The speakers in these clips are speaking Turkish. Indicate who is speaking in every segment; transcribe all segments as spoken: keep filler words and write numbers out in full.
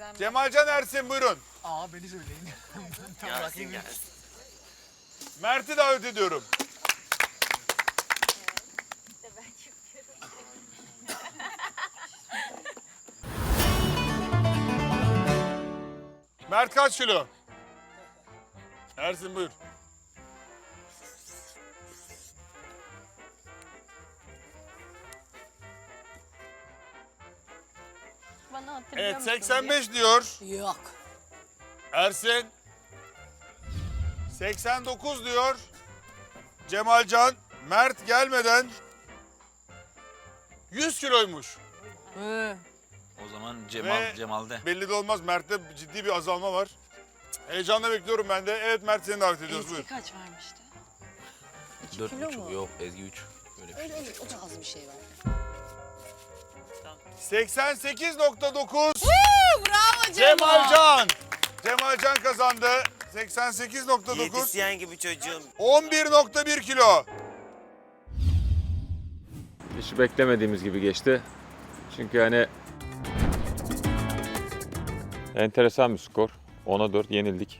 Speaker 1: teyzem.
Speaker 2: Cemalcan Ersin buyurun.
Speaker 3: Aa beni söyleyin.
Speaker 4: Gelsin gelsin.
Speaker 2: Mert'i davet ediyorum.
Speaker 1: İşte ben çıkıyorum.
Speaker 2: Mert kaç kilo? Ersin buyur.
Speaker 1: Bana hatırlıyor
Speaker 2: Evet
Speaker 1: musun?
Speaker 2: seksen beş diyor
Speaker 5: Yok.
Speaker 2: Ersin. seksen dokuz diyor Cemalcan. Mert gelmeden yüz kiloymuş.
Speaker 5: Ee,
Speaker 4: O zaman Cemal
Speaker 2: Ve-
Speaker 4: Cemal'de.
Speaker 2: Belli de olmaz. Mert'te ciddi bir azalma var. Heyecanla bekliyorum ben de. Evet Mert seni davet ediyoruz. Buyur.
Speaker 5: Ezgi kaç vermişti?
Speaker 4: Dört
Speaker 5: kilo
Speaker 4: buçuk
Speaker 5: mu?
Speaker 4: yok Ezgi üç. Böyle bir şey.
Speaker 5: Öyle öyle o da az bir şey var.
Speaker 2: seksen sekiz nokta dokuz
Speaker 5: Bravo
Speaker 2: Cemalcan. Cemalcan kazandı. seksen sekiz nokta dokuz.
Speaker 6: Diyetisyen gibi çocuğum.
Speaker 2: on bir nokta bir kilo.
Speaker 7: Hiç beklemediğimiz gibi geçti. Çünkü hani enteresan bir skor. ona dört yenildik.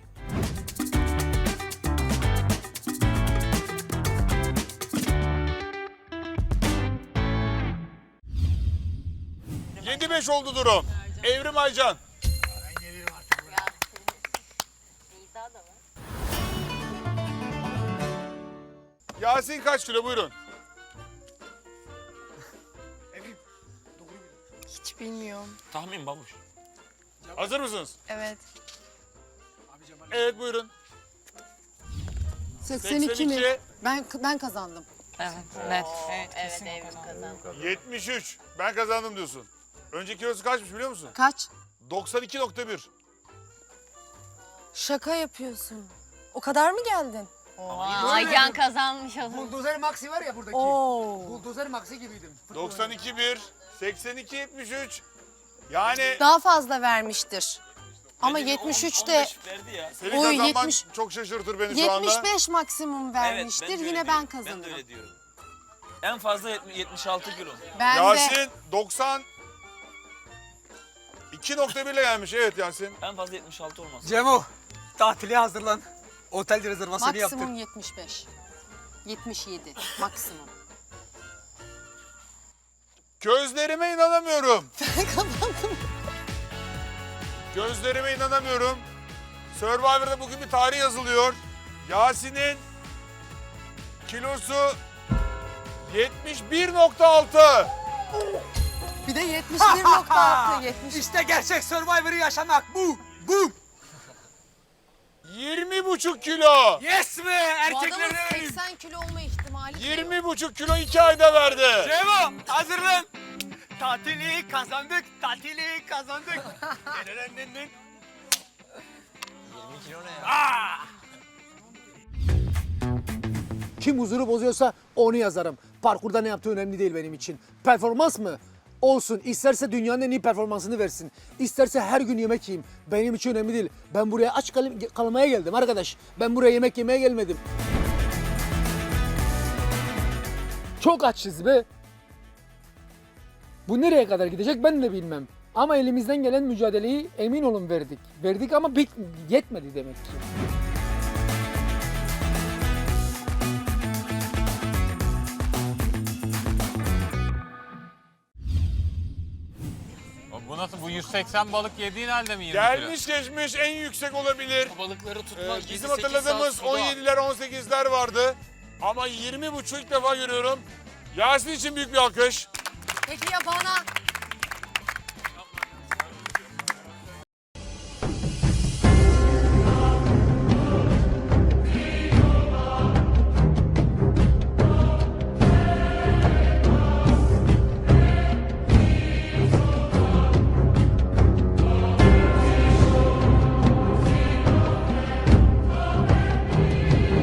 Speaker 2: yedi beş oldu durum. Evrim Aycan.
Speaker 1: Nida da var.
Speaker 2: Yasin kaç kilo buyurun.
Speaker 8: Hiç bilmiyorum.
Speaker 4: Tahmin babuş.
Speaker 2: Hazır mısınız?
Speaker 8: Evet.
Speaker 2: Evet buyurun.
Speaker 5: seksen iki mi?
Speaker 2: seksen iki,
Speaker 5: Ben ben kazandım.
Speaker 1: Evet, evet Evrim kazandı.
Speaker 2: yetmiş üç. Ben kazandım diyorsun. Önceki kilosu kaçmış biliyor musun?
Speaker 5: Kaç?
Speaker 2: doksan iki nokta bir.
Speaker 8: Şaka yapıyorsun. O kadar mı geldin?
Speaker 1: Aycan kazanmış o zaman.
Speaker 3: Buldozer Maxi var ya buradaki.
Speaker 8: Oo.
Speaker 3: Buldozer Maxi gibiydim.
Speaker 2: doksan iki bir, seksen iki yetmiş üç. Yani
Speaker 8: Daha fazla vermiştir. Ama yetmiş üçte
Speaker 4: verdi ya.
Speaker 2: senin
Speaker 8: Oy,
Speaker 2: kazanman
Speaker 8: yetmiş
Speaker 2: çok şaşırtır beni şu anda.
Speaker 8: yetmiş beş maksimum vermiştir.
Speaker 4: Evet, ben de
Speaker 8: Yine
Speaker 4: öyle
Speaker 8: ben
Speaker 4: diyorum. Ben de
Speaker 8: kazanırım.
Speaker 4: öyle diyorum. En fazla yetmiş- yetmiş altı kilo.
Speaker 8: Ben de
Speaker 2: Yasin doksan iki nokta bir ile gelmiş. Evet Yasin.
Speaker 4: En fazla yetmiş altı olmaz.
Speaker 3: Cemo tatile hazırlan. Otel rezervasyonu yaptır.
Speaker 5: Maksimum yetmiş beş. yetmiş yedi maksimum.
Speaker 2: Gözlerime inanamıyorum. Gözlerime inanamıyorum. Survivor'da bugün bir tarih yazılıyor. Yasin'in kilosu yetmiş bir nokta altı.
Speaker 8: bir de yetmiş bir nokta altı yetmiş.
Speaker 3: İşte gerçek Survivor'ı yaşamak bu. Bu.
Speaker 2: yirmi buçuk kilo.
Speaker 3: Yes be
Speaker 5: Bu
Speaker 3: erkekler
Speaker 5: adamın
Speaker 3: verelim.
Speaker 5: seksen kilo olma ihtimali yok.
Speaker 2: yirmi buçuk kilo iki ayda verdi.
Speaker 3: Cemo hazırlan. Tatili kazandık. Tatili kazandık.
Speaker 4: yirmi kilo ne ya?
Speaker 9: Kim huzuru bozuyorsa onu yazarım. Parkurda ne yaptığı önemli değil benim için. Performans mı? Olsun. İsterse dünyanın en iyi performansını versin. İsterse her gün yemek yiyeyim. Benim için önemli değil. Ben buraya aç kal kalmaya geldim arkadaş. Ben buraya yemek yemeye gelmedim. Çok açız be. Bu nereye kadar gidecek ben de bilmem. Ama elimizden gelen mücadeleyi emin olun verdik. Verdik ama bit yetmedi demek ki.
Speaker 7: Bu nasıl? Bu yüz seksen balık yediğin halde mi yirmi
Speaker 2: Gelmiş geçmiş en yüksek olabilir.
Speaker 3: Balıkları
Speaker 2: Ee, bizim hatırladığımız on yediler on sekizler vardı. Ama yirmi buçuk ilk defa görüyorum. Yasin için büyük bir alkış.
Speaker 5: Peki ya bana?